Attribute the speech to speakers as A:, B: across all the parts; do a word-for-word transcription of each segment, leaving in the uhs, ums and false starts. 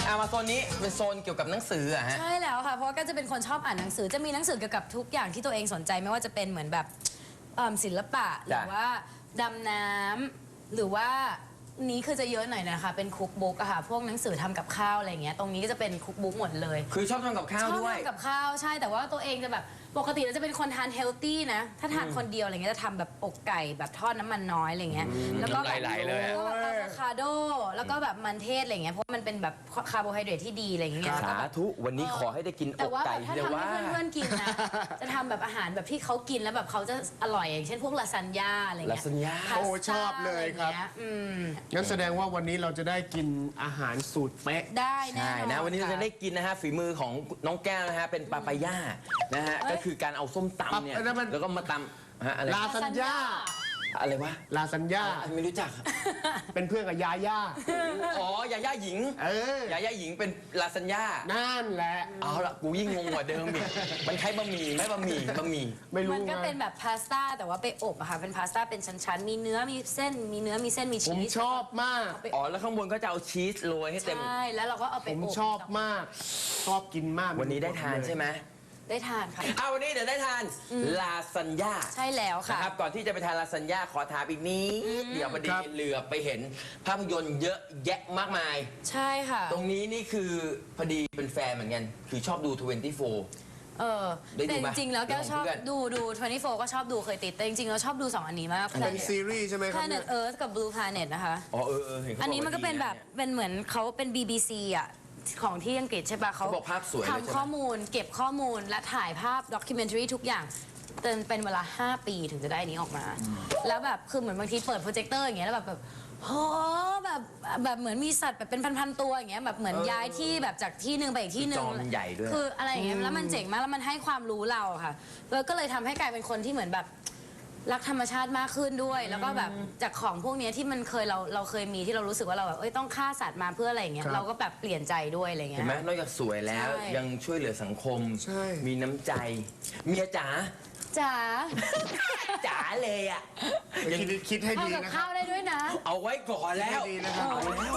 A: อ่ะมาโซนนี้เป็นโซนเกี่ยวกับหนังสืออะฮะ
B: ใช่แล้วค่ะเพราะว่าก็จะเป็นคนชอบอ่านหนังสือจะมีหนังสือเกี่ยวกับทุกอย่างที่ตัวเองสนใจไม่ว่าจะเป็นเหมือนแบบเอิ่มศิลปะหรือว่าดำน้ำหรือว่านี้คือจะเยอะหน่อยนะคะเป็นคุกบุ๊กอะค่ะพวกหนังสือทำกับข้าวอะไรเงี้ยตรงนี้ก็จะเป็นคุกบุ๊กหมดเลย
A: คือชอบทำกับข้าว
B: ชอบ
A: ด้วย
B: ทำกับข้าวใช่แต่ว่าตัวเองจะแบบปกติเราจะเป็นคนทานเฮลตี้นะถ้าทานคนเดียวอะไรเงี้ยจะทำแบบอกไก่แบบทอดน้ำมันน้อยอะไรเงี้ยแล้วก็แบบ
A: ไหลๆเลยอะ
B: แล้วก็แบบอะโวคาโดแล้วก็แบบมันเทศอะไรเงี้ยเพราะมันเป็นแบบคาร์โบไฮเดรตที่ดีอะไรเงี้ย
A: สาธุวันนี้ขอให้ได้กินอ
B: แต่
A: ก
B: ว่า
A: ไก่
B: แบบถ้า
A: เดี๋ยว
B: ทำ
A: ว่า
B: ให้เพื่อนๆกินนะ จะทำแบบอาหารแบบที่เขากินแล้วแบบเขาจะอร่อยอย่างเช่นพวกลาซานญ่าอะไรเงี้ย
A: ลาซานญ่า
B: พสต้
C: โอ้ชอบเลยครับ
B: อะไงี้อืม
C: งั้นแสดงว่าวันนี้เราจะได้กินอาหารสูตรเป๊ะ
B: ได้แน่
A: ใช่
B: นอน
A: นะวันนี้เราจะได้
B: ค่
A: กินนะฮะฝีมือของน้องแก้วนะฮะเป็นปาปายานะฮะก็คือการเอาส้มตำเนี่ย
C: ปาแล้วมัน
A: แล้วก็มาตำฮะอะไร
C: ลาซานญ่า
A: อะไรวะ
C: ลาซานญ่า
A: อ่ะไม่รู้จัก
C: เป็นเพื่อนกับยาย่า
A: อ๋อยาย่าหญิง
C: เออ
A: ยาย่าหญิงเป็นลาซานญ่า
C: นั่นแหละ
A: เอาละกูยิ่งงงกว่าเดิมอีกมันคล้ายบะหมี่ไหมบะหมี่บะหมี่
C: ไม่รู้
B: มันก็
C: ไง
B: เป็นแบบพาสต้าแต่ว่าไปอบอะค่ะเป็นพาสต้าเป็นชั้นๆมีเนื้อมีเส้นมีเนื้อมีเส้นมี
C: ผ
B: ชี
C: ม
B: ส
C: ชอบมาก
B: เอาไป
A: อ๋อแล้วข้างบนก็จะเอาชีสโรยให้เต็ม
B: ใช่แล้วเราก็เอาไป
C: ผม
B: อบ
C: ชอบมาก ชอบกินมาก
A: วันนี้ได้ทานใช่ไหม
B: ได้ทานค่ะ
A: เอาวันนี้เดี๋ยวได้ทานลาซานญ่า
B: ใช่แล้วค่ะ
A: นะครับก่อนที่จะไปทานลาซานญ่าขอถามอีกนิดเดี๋ยวพอดีเหลือไปเห็นภาพยนตร์เยอะแยะมากมาย
B: ใช่ค่ะ
A: ตรงนี้นี่คือพอดีเป็นแฟนเหมือนกัน คือชอบดู ทเวนตี้โฟร์
B: เออ
A: ได้ดู
B: แต่
A: ไหม
B: จริงๆแล้วแก้วชอบ
A: เรื่องของเพื่อน
B: ดูดูทเวนตี้โฟร์ก็ชอบดูเคยติดแต่จริงๆแล้วชอบดูสองอันนี้มาก
C: เป็นซีรีส์ใช่ไหมครับ
B: Planet
C: เนี่ย
B: Earth กับ Blue Planet นะคะ
A: อ๋อเออเออเห็นเขาบ
B: อันนี้มันก็เป็นแบบ
A: ว่าดีะ
B: เป็นเหมือนเขาเป็น บี บี ซี อ่ะ ของที่อังกฤษใช่ปะเขา
A: เขาบอกภาพสวยเลยใช่ไหม
B: ทำข้อมูลเก็บข้อมูลและถ่ายภาพด็อกิเมนทรีทุกอย่างเป็นเป็นเวลา ห้า ปีถึงจะได้อันนี้ออกมา แล้วแบบคือเหมือนบางทีเปิดโปรเจคเตอร์อย่างเงี้ยแล้วแบบแบบโหแบบแบบเหมือนมีสัตว์แบบเป็นพันๆตัวอย่างเงี้ยแบบเหมือนย้ายที่แบบจากที่หนึ่งไปอีกที่หนึ่ง
A: จอมันใหญ่ด้วย
B: คืออะไรอย่างเงี้ยแล้วมันเจ๋งมากแล้วมันให้ความรู้เราอะค่ะแล้วก็เลยทำให้กลายเป็นคนที่เหมือนแบบรักธรรมชาติมากขึ้นด้วย แล้วก็แบบจากของพวกเนี้ยที่มันเคยเราเราเคยมีที่เรารู้สึกว่าเราแบบเอ้ยต้องฆ่าสัตว์มาเพื่ออะไรอย่างเงี้ย
C: ครับ
B: เราก็แบบเปลี่ยนใจด้วยอะไรเงี้
A: เห็น
B: ย
A: ไหมนอกจากสวยแล้ว
B: ใช่
A: ยังช่วยเหลือสังคม
C: ใช่
A: มีน้ำใจ เมียจ๋า
B: จ๋า
A: จ๋าเลยอ่ะ
C: คิดคิดให้
B: ทำ
C: ดี
B: กับ
C: นะค
B: ข้า
C: รับ
B: วได้ด้วยนะ
A: เอาไว้ก่อนแล้ว
C: ดีนะครับ
A: เอาแล้ว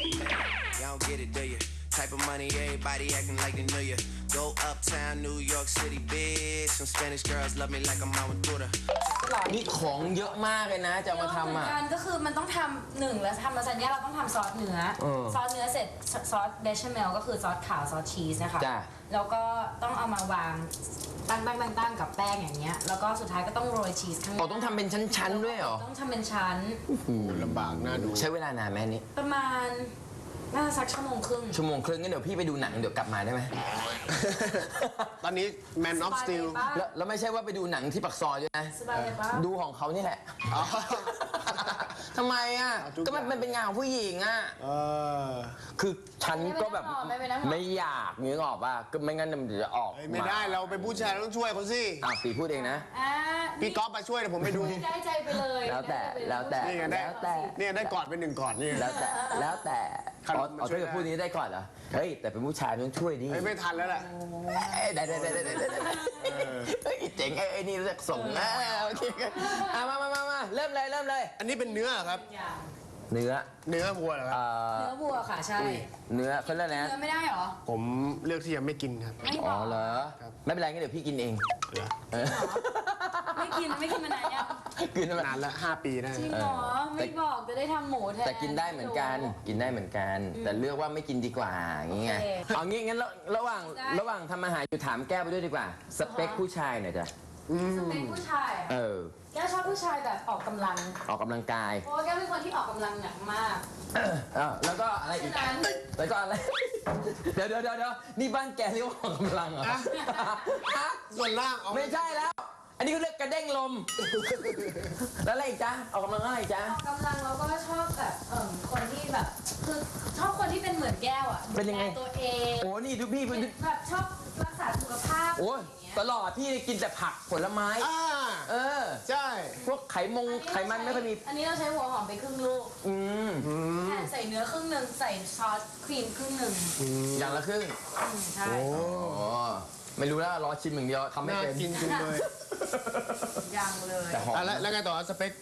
D: Y'all don't get it, do you? Type of money, everybody acting like they know you. Go uptown, New York City, bitch. Some Spanish girls love me like I'm out with Buddha.
A: นี่ของเยอะมากเลยนะจะเอามาทำอ่ะ
B: เหมือนกันก็คือมันต้องทำหนึ่งแล้วทำลาซานญ่าเราต้องทำซอสเนื้อ
A: เออ
B: ซอสเนื้อเสร็จซอสเบชเมลก็คือซอสขาวซอสชีสนะคะ
A: จ้ะ
B: แล้วก็ต้องเอามาวางตั้งตั้งตั้งตั้งกับแป้งอย่างเงี้ยแล้วก็สุดท้ายก็ต้องโรยชีสข้างห
A: อ๋อ
B: น้า
A: ต้องทำเป็นชั้นๆด้วยเหรอ
B: ต้องทำเป็นชั้น
C: ลำบากน่าดู
A: ใช้เวลานานไหมอันนี้
B: ประมาณน่าจะสักชั่วโมงครึ่ง
A: ชั่วโมงครึ่งงั้นเดี๋ยวพี่ไปดูหนังเดี๋ยวกลับมาได้ไหม
C: ตอนนี้ Man of Steel
B: สบายเลยปะ
A: แล้วแล้วไม่ใช่ว่าไปดูหนังที่ปักซอยด้วยนะ
B: สบายเลยปะ
A: ดูของเขานี่แหละ
C: อ๋อ
A: ทำไมอ่ะ
C: เอาทุก
A: ก็มัน
C: อย่าง
A: มันเป็นงานของผู้หญิงอ่ะ
C: เออ
A: คือฉันก็แบบ
B: ไม่เป็นไรหรอก
A: ไม่อยากนึกออกป่ะก็ไม่งั้นมันจะออก
C: เฮ้ยไม่ได้เราเป็นผู้ชายเราต้องช่วยเขาสิ
A: อ่ะปีพูดเองนะ
B: อ่า
C: พี่ก๊อฟมาช่วยเดี๋ยวผมไปดู
B: ได้ใจไปเลย
A: แล้วแต่
B: ได้ใจไปเย
A: แล้วแต่
C: นี่ไงได้
A: แล้วแต่
C: เนี่ยได้กอดเป็นหนึ่งกอดนี่
A: แล้วแต่แล้วแต่
C: ครับ
A: อ๋อ
C: มา
A: อ๋อ
C: ช่วย
A: ถ้าเกิดพูดนี้ได้ก่อนเหรอเฮ้ยแต่เป็นผู้ชายต้องช่วยดิ
C: เฮ้ยไม่ทันแล้วแหละ
A: เอ้ยได้ได้ได้ได้ได้ได้เฮ้ยเจ๋งไอ้ไอ้นี่เรียกส่งอ่าโอเคอ่ะมามามามาเริ่มเลยเริ่มเลย
C: อันนี้เป็นเนื้อครับ
B: อย่าง
A: เนื้อ
C: เนื้อวัวเหรอครับ
A: เอ่อ
B: เนื้อวัวค่ะใช่
A: เนื้อเขาเรียกอะไร
B: เนื้
A: นะ
B: อไม่ได้เหรอ
C: ผมเลือกที่จะไม่กินครับ
B: ไม่บ
A: อ๋อ
B: อก
A: เหรอ
C: ครับ
A: ไม่เป็นไรงั้นเดี๋ยวพี่กินเอง
C: เหรอ
A: เออ
B: ไม่กินไม่กินมานานยัง
A: กินได้ไหม
C: นานละห้าปีได้
B: จริงเหรอไม่บอกจะได้ทำหมูแทน
A: แต่กินได้เหมือนกันกินได้เหมือนกัน แต่เลือกว่าไม่กินดีกว่าอย่างเงี้ย
B: โอเค
A: เอางี้งั้นระระหว่าง
B: ได้
A: ระหว่างทำอาหารอยู่ถามแก้วไปด้วยดีกว่า สเปคผู้ชายหน่อยจ้ะ
B: สเปคผู้ชายอะ
A: เออ
B: แก้วชอบผู้ชายแบบออกกำลัง
A: ออกกำลังกาย
B: เพราะว่าแก้วเป็นคนที่ออกกำลังหนักมาก
A: เออแล้วก็อะไรอีก
B: ฉะนั้น
A: แล้วก็อะไร เดี๋ยวเดี๋ยวเดี๋ยวเดี๋ยวนี่บ้านแกเรียกว่าออกกำลังเหรอฮะ
C: ส่วนล่างเอา
A: ไม่ใช่แล้ว อันนี้เขาเรียกกระเด้งลม แล้วอะไรอีกจ๊ะออกกำลังอะไรอีกจ๊ะ
B: ออกกำลังเราก็ชอบแบบเอ่อคนที่แบบคือชอบคนที่เป็นเหมือนแก้วอ่ะ
A: เป็นยังไง
B: ดูแลตัวเอง
A: โอ้นี่ดูพี่
B: เป็
A: เป็น น
B: แบบชอบรักษาสุขภาพ
A: โอ้ย
B: อย่างเงี้ย
A: ตลอดพี่กินแต่ผักผลไม้
C: อ่า
A: เออ
C: ใช่
A: พวกไขมงไขมันไม่ค่อยมี
B: อันนี้เราใช้หัวหอมไปครึ่งลูก
A: อืม
B: แค่ใส่เนื้อครึ่งหนึ่งใส่ซอสครีมครึ่งหนึ่ง
A: อย่างละครึ่ง
B: อืมใช่
C: โอ้
A: อ๋อไม่รู้แล้วรอชิมอย่างเดียวทำไม่
C: น่า
A: เป็น
C: กินจังเลย
B: ยังเลย
A: แต่หอม
C: อ่ะแล้วแล้วไงต่อสเปค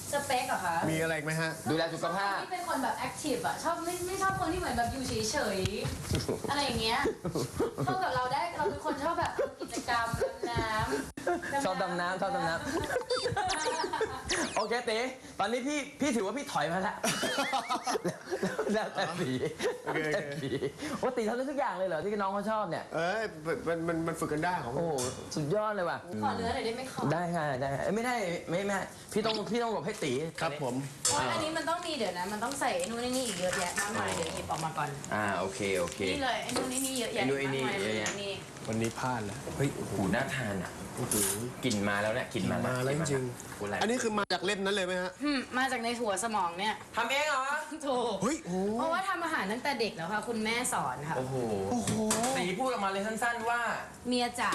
B: สเปคเหรอคะ
C: มีอะไรอีกไหมฮะ
A: ดูแลสุขภาพ
B: ที่เป็นคนแบบแอคทีฟอะชอบไม่ไม่ชอบคนที่เหมือนแบบอยู่เฉยๆ อะไรอย่างเงี้ยเข้ากับเราได้เราเป็นคนชอบแบบกิจกรรมดำน้ำ
A: ชอบดำน้ำชอบดำน้ำโอเคเต๋ตอนนี้พี่พี่ถือว่าพี่ถอยมาแล้วแล้วแต่สี
C: โอเคโอเค
A: แล้วแต่สีโอ้ตีทำได้ทุกอย่างเลยเหรอที่น้องเขาชอบเนี่ย
C: เอ้ยมันมันมันฝึกกันได้ของ
A: โอ้โหสุดยอดเลยว่ะ
B: ขอเนื้อหน่อยได้ไหมขอ
A: ได้ค่ะได้ค่ะเอ้ยไม่ได้ไม่ไม่พี่ต้องพี่ต้องหลบให้ตี
C: ครับผม
B: เพราะอันนี้มันต้องมีเดี๋ยวนะ มันต้องใส่ไอ้นู่นไอ้นี่อีกเยอะแยะมากมายเดี๋ยวหยิบออกมาก่อน
A: อ่าโอเคโอเค
B: นี่เลยไอ้นู่นไอ้นี่เยอะแยะ
A: ไอ้นู่นไอ้นี่
B: มากมาย
A: เยอะแยะ
B: นี่
C: วันนี้พลาดแล้ว
A: เฮ้ยโอ้โหน่าทานอ่ะ
C: โอ้โห
A: กลิ่นมาแล้วเนี่ยกลิ่นมา
C: มาแล้วจริง
A: โอ้โหอะไร
C: ๆอันนี้คือมาจากเล่มนั้นเลยไหมฮะ
B: อืมมาจากในหัวสมองเนี่ย
A: ทำเองเหรอ
B: ถูก
C: เฮ้ยโอ้
B: เพราะว่าทำอาหารตั้งแต่เด็กแล้วค่ะ คุณแม่สอนค่ะ
A: โอ้โห
C: โอ้โห
A: ตีพูดออกมาเลยสั้นๆว่า
B: เมียจ๋า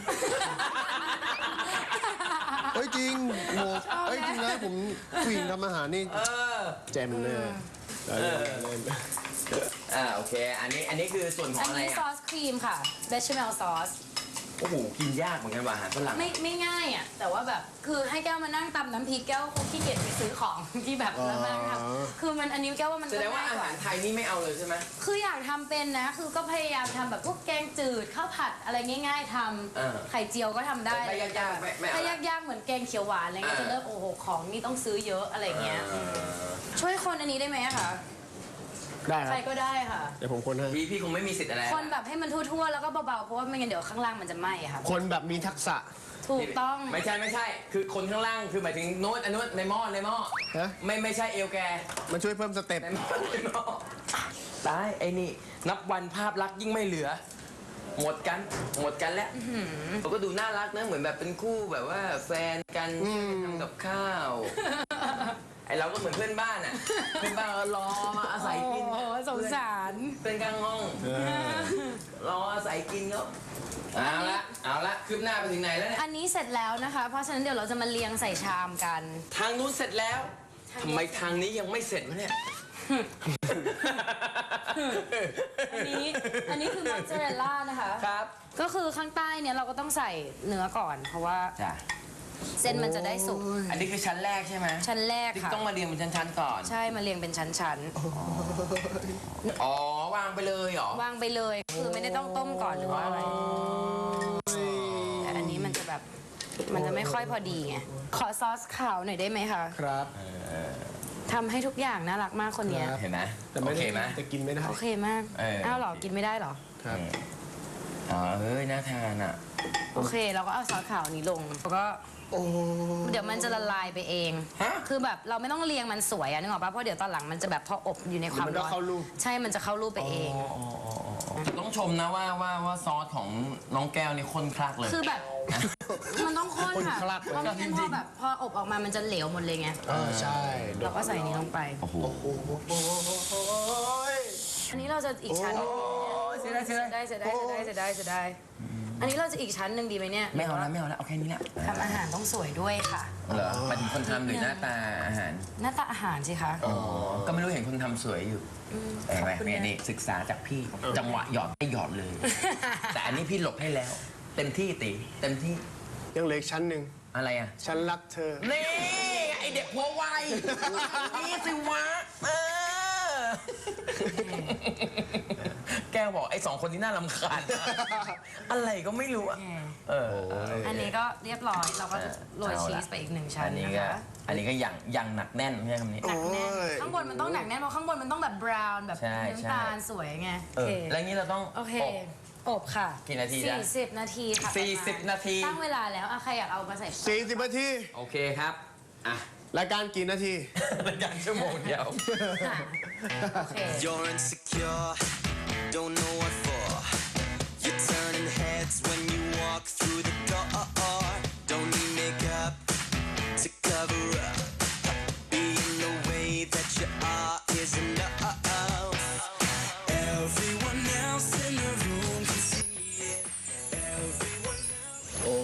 C: เฮ้ยจริงโหเฮ้ยจริงนะผมผู้หญิงทำอาหารนี่
A: เออ
C: แจมเลยเล่นเล่น
A: อ่าโอเค อันนี้อันนี้คือส่วนขอ
B: อั
A: ง
B: น
A: อะไร
B: นี้ซอ
A: อ่ะ
B: สครีมค่ะเบชเมลซอส
A: โอ้โหกินยากเหมือนกันว่ะอาหารฝรั่ง
B: ไม่ไม่ง่ายอ่ะ แต่ว่าแบบคือให้แก้วมานั่งตำน้ำพริกแก้วคงขี้เกียจไปซื้อของที่แบบแล้วมานั่งทำคือมันอันนี้แก้วว่ามัน
A: แสดงว่าอาหารไทยนี่ไม่เอาเลยใช่ไหม
B: คืออยากทำเป็นนะ คือก็พยายามทำแบบพวกแกงจืดข้าวผัดอะไรง่าย ๆท
A: เออ
B: ำไข่เจียวก็ทำได้
A: แต่ถ้ายากๆไม่ไม่เอา
B: ถ้ายากๆเหมือนแกงเขียวหวานอะไรเงี้ย
A: อ่า
B: จะเริ่มโอ้โหของนี่ต้องซื้อเยอะอะไรเงี้ย
A: เออ
B: ช่วยคนอันนี้ได้ไหมอะคะ
C: ได้ค
B: ใค
C: รั
B: ร
C: บ
B: ก็ได้ค่ะ
C: เดี๋ยวผมคนให้
A: พี่พี่คงไม่มีสิทธิ์อะไร
B: คนแบบให้มันทั่วๆแล้วก็เบาๆเพราะว่าไม่งั้นเดี๋ยวข้างล่างมันจะไหม้อะค่ะ
C: คนแบบมีทักษะ
B: ถูกต้อง
A: ไม่ใช่ไม่ใช่ คือคนข้างล่างคือหมายถึงโน้ตอันนู้นในหม้อในหม้อ
C: ฮะ
A: ไม่ไม่ใช่เอวแก
C: มันช่วยเพิ่มสเต็ป
A: ในหม้อในหม้อตายไอ้นี่ นับวันภาพลักษณ์ยิ่งไม่เหลือ หมดกันหมดกันแล้วเขาก็ดูน่ารักนะเหมือนแบบเป็นคู่แบบว่าแฟนกันทำกับข้าว ไอเราก็เหมือนเพื่อนบ้านอ่ะ เพื่อนบ้านก็รอมาอาศัยกิน
B: โอ้โหสงสาร
A: เพื่อนข้างห้อง รออาศัยกินเขาเอาละเอาละคืบหน้าไปถึงไหนแล้วเนี่ย
B: อันนี้เสร็จแล้วนะคะ เพราะฉะนั้นเดี๋ยวเราจะมาเรียงใส่ชามกัน
A: ทางนู้นเสร็จแล้วทำไมทางนี้ยังไม่เสร็จวะเนี่ย
B: อันนี้อันนี้คือมอสซาเรลล่านะคะ
A: ครับ
B: ก็คือข้างใต้เนี่ยเราก็ต้องใส่เนื้อก่อน เพราะว่า
A: จ้ะ
B: เส้นมันจะได้สุก
A: อันนี้คือชั้นแรกใช่ไหม
B: ชั้นแรก
A: ที่
B: ค่ะ
A: ต้องมาเรียงเป็นชั้นๆก่อน
B: ใช่มาเรียงเป็นชั้น
A: อ๋อ วางไปเลยเหรอ
B: ๆ วางไปเลย คือไม่ได้ต้องต้มก่อนหรือว่าอะไร แต่อันนี้มันจะแบบมันจะไม่ค่อยพอดีไง ขอซอสขาวหน่อยได้ไหมคะ
C: ครับ
B: ทำให้ทุกอย่างน่ารักมากคนเนี้ย
C: ครับ
A: เห็นไหม
C: แต่
A: โอ
C: ไม่
A: เค
C: ได้
A: ไหม
C: แต่กินไม่ได้
B: โอเคมาก
A: เออ
B: อ้าวเหรอ กินไม่ได้เหรอ
C: ครับ
A: อ๋อเฮ้ย น่าทานอ่ะ
B: โอเค เราก็เอาซอสขาวนี้ลง แล้วก็
C: โอ้
B: เดี๋ยวมันจะละลายไปเอง
A: ฮะ
B: คือแบบเราไม่ต้องเรียงมันสวยอะนึกออกปะเพราะเดี๋ยวตอนหลังมันจะแบบพออบอยู่ในความ
C: มันก็
B: ร้อน
C: เข้ารูป
B: ใช่ มันจะเข้ารูปไปเอง
A: ต้องชมนะว่าว่าว่าซอสของน้องแก้วนี่ข้นคลักเลย
B: คือแบบ มันต้องข้นค่ะ
C: ข้นคลักเลย
B: เพราะไม่งั้นพอแบบพออบออกมามันจะเหลวหมดเลยไง
C: เออใช่
B: เราก็ใส่นี้ลงไป
A: โอ้โห
C: โอ้โห
B: อันนี้เราจะอีกชั้น
A: โอ้ยเสียดายเสียดาย
B: ได้เสียดายเสียดายเสียดายเสียดายอันนี้เราจะอีกชั้นหนึ่งดีไหมเนี่ย
A: ไม่เอาแล้วไม่เอาแล้วเอาแค่นี้แหละ
B: ทำอาหารต้องสวยด้วยค่ะ
A: เหรอหมายถึงคนทำหรือหน้าตาอาหาร
B: หน้าตาอาหารสิคะ
A: อ๋อ ก็ไม่รู้เห็นคนทำสวยอยู่เห็นไหมเนี่ยนี่ศึกษาจากพี่ จังหวะหยอดไม่หยอดเลย แต่อันนี้พี่หลบให้แล้ว เต็มที่ตีเต็มที่
C: ยังเหลืออีกชั้นหนึ่ง
A: อะไรอ่ะ
C: ฉันรักเธอ
A: นี่ไอเด็กหัวไวนี่สิวะเออแก้วบอกไอ้สองคนที่น่ารำคาญอะไรก็ไม่รู้อะเออ
B: อันนี้ก็เรียบร้อยเราก็จะโรย
A: เอาละ
B: ชีสไปอีกหนึ่งชั้
A: อั
B: น
A: นนี้
B: นะ
A: ก็
B: คะ
A: อันนี้ก็อย่างอย่างหนักแน่นไม่ใช่คำนี้
B: หนักแน่น
C: โอ้ย
B: ข้างบนมันต้องหนักแน่นเพราะข้างบนมันต้องแบบบราวน์แบบ
A: ใช่ใช่
B: น้ำตาลสวยไง
A: เอ
B: โอ
A: อ
B: เค
A: แล้วงี้เราต้อง
B: โอเค
A: อบ
B: อบค่ะ
A: กี่นาทีจ๊ะ
B: สี่สิบนาทีค่ะ
A: สี่สิบ
B: ประมณ
A: นาที
B: ตั้งเวลาแล้วอะใครอยากเอามาใส่
C: สี่สิบนาที
A: โอเคครับ อ่ะ
C: รายการกี่นาที
A: รายการชั่วโมงเดียว
B: ค่ะโอเค
D: You're insecure, don't know what for. You're turning heads when you walk through the door. Don't need makeup to cover up. Being the way that you are is enough. Everyone else in the room can see it. Everyone else.
C: โอ้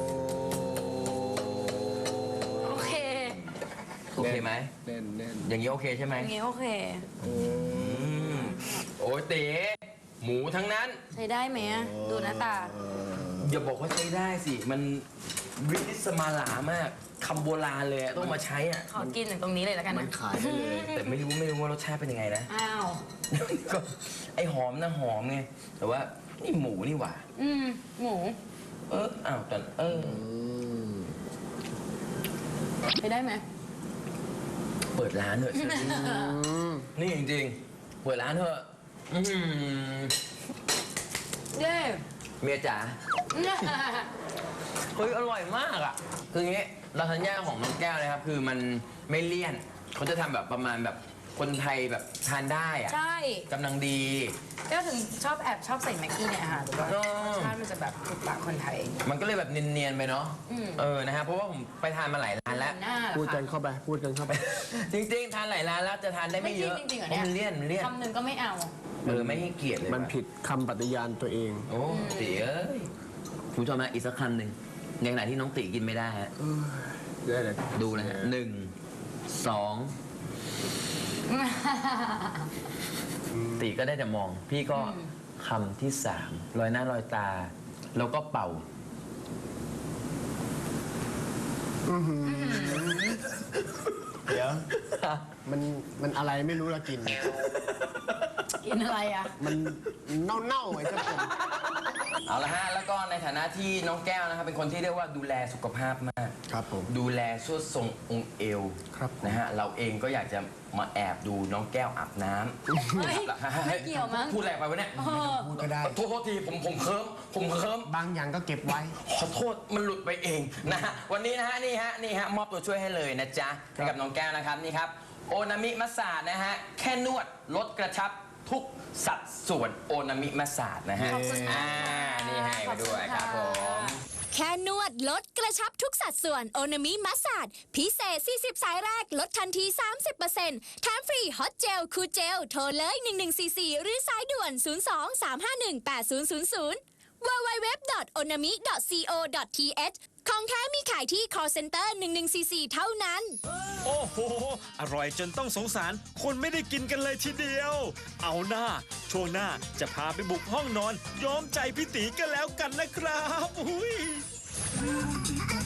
B: โอเค
A: โอเคไหม
C: แน่นแน่น
A: อย่างนี้โอเคใช่ไหม
B: อย่างงี้โอเค
A: อืมโอ้ยเต๋หมูทั้งนั้น
B: ใช้ได้ไหมอะดูหน้าตา
A: อย่าบอกว่าใช้ได้สิ มันบริติสมาลามากคำโบราณเลยอะต้องมาใช้อ่ะ
B: ขอกินถึงตรงนี้เลยแล้วกัน
C: มัน
B: นะ
C: ขายได้เลย
A: แต่ไม่รู้ไม่รู้ว่ารสชาติเป็นยังไงนะ
B: อ้าว
A: ก็ไอหอมนะหอมไงแต่ว่านี่หมูนี่หว่า
B: อืมหมู
A: เอออ้าวแต่เออ
B: ไปได้ไหม
A: เปิดร้านเถอะนี่จริงๆเปิดร้านเถอะอื้อหือ
B: เย้
A: เมียจ๋าเฮ้ยอร่อยมากอ่ะคืออย่างงี้ลาซานญ่าของน้องแก้วนะครับคือมันไม่เลี่ยนเขาจะทำแบบประมาณแบบคนไทยแบบทานได้อ่ะ
B: ใช่
A: กำลังดี
B: ก็ถึงชอบแอบชอบใส่แม็กกี้ในอาหารหรือว่า
A: เออ
B: รสชาติมันจะแบบถูกปากคนไทย
A: มันก็เลยแบบเนียนๆไปเนาะ
B: อืม
A: เออนะฮะเพราะว่าผมไปทานมาหลายร้านแล้ว
B: หน้าเหรอ
C: พูดกัน
B: คะ
C: เข้าไป พูดกันเข้าไป
A: จริงๆ ทานหลายร้านแล้วจะทานได้ไม่เยอะ
B: ไม่จริงๆเหรอ
A: เพ
B: เนี่ย
A: ราะมันเลี่ยนมันเลี่ยน
B: คำหนึ่งก็ไม่เอา
A: เออไม่ให้เกียรติเลย
C: มันผิดคำปฏิญาณตัวเอง
A: โอ้ตีเอ้ยคุณผู้ชมนะอีกสักคำหนึ่งในขณะที่น้องตีกินไม่ได้ฮะ
C: ได้เลย
A: ดูนะฮะหนึ่งสองตีก็ได้แต่มอง พี่ก็คำที่สามลอยหน้าลอยตา แล้วก็เป่า
C: เดี๋ยว มันมันอะไรไม่รู้ละกิน
B: กินอะไรอ่ะ
C: มันเน่าๆไอ้เจ้าคน
A: เอาละฮะ แล้วก็ในฐานะที่น้องแก้วนะครับเป็นคนที่เรียกว่าดูแลสุขภาพมาก
C: ครับผม
A: ดูแลสวดทรงองค์เอว
C: ครับผม
A: นะฮะเราเองก็อยากจะมาแอบดูน้องแก้วอาบน้ำ
B: เฮ้ยไม่เกี่ยวมั้ง
A: พูดแรงไปวะเนี่ย
B: เออ
C: พูดก็ได้
A: โทษโทษทีผมผมเคิมผมเคิม
C: บางอย่างก็เก็บไว้
A: ขอโทษมันหลุดไปเองนะฮะวันนี้นะฮะนี่ฮะนี่ฮะมอบตัวช่วยให้เลยนะจ๊ะให้กับน้องแก้วนะครับนี่ครับโอนามิมัสสาดนะฮะแค่นวดลดกระชับทุกสัดส่วนโอนามิมัสสาดนะฮะ
B: ขอบคุณค่ะ
A: อ่านี่ให้มาด้วยครับผม
E: แค่นวดลดกระชับทุกสัดส่วนโอนามิมัสสาดพิเศษ สี่สิบ สายแรก ลดทันที สามสิบเปอร์เซ็นต์ แถมฟรีฮอตเจล คูลเจล โทรเลย หนึ่งหนึ่งสี่สี่ หรือสายด่วน ศูนย์ สอง สาม ห้า หนึ่ง แปด ศูนย์ ศูนย์ ศูนย์ ดับเบิลยู ดับเบิลยู ดับเบิลยู ดอท โอนามิ ดอท ซี โอ ดอท ที เอช ของแท้มีขายที่ call center หนึ่งหนึ่งสี่สี่ เท่านั้น
F: โอ้โห อร่อยจนต้องสงสาร คนไม่ได้กินกันเลยทีเดียว เอาหน้า ช่วงหน้าจะพาไปบุกห้องนอน ย้อมใจพี่ตีกันแล้วกันนะครับอุ้ย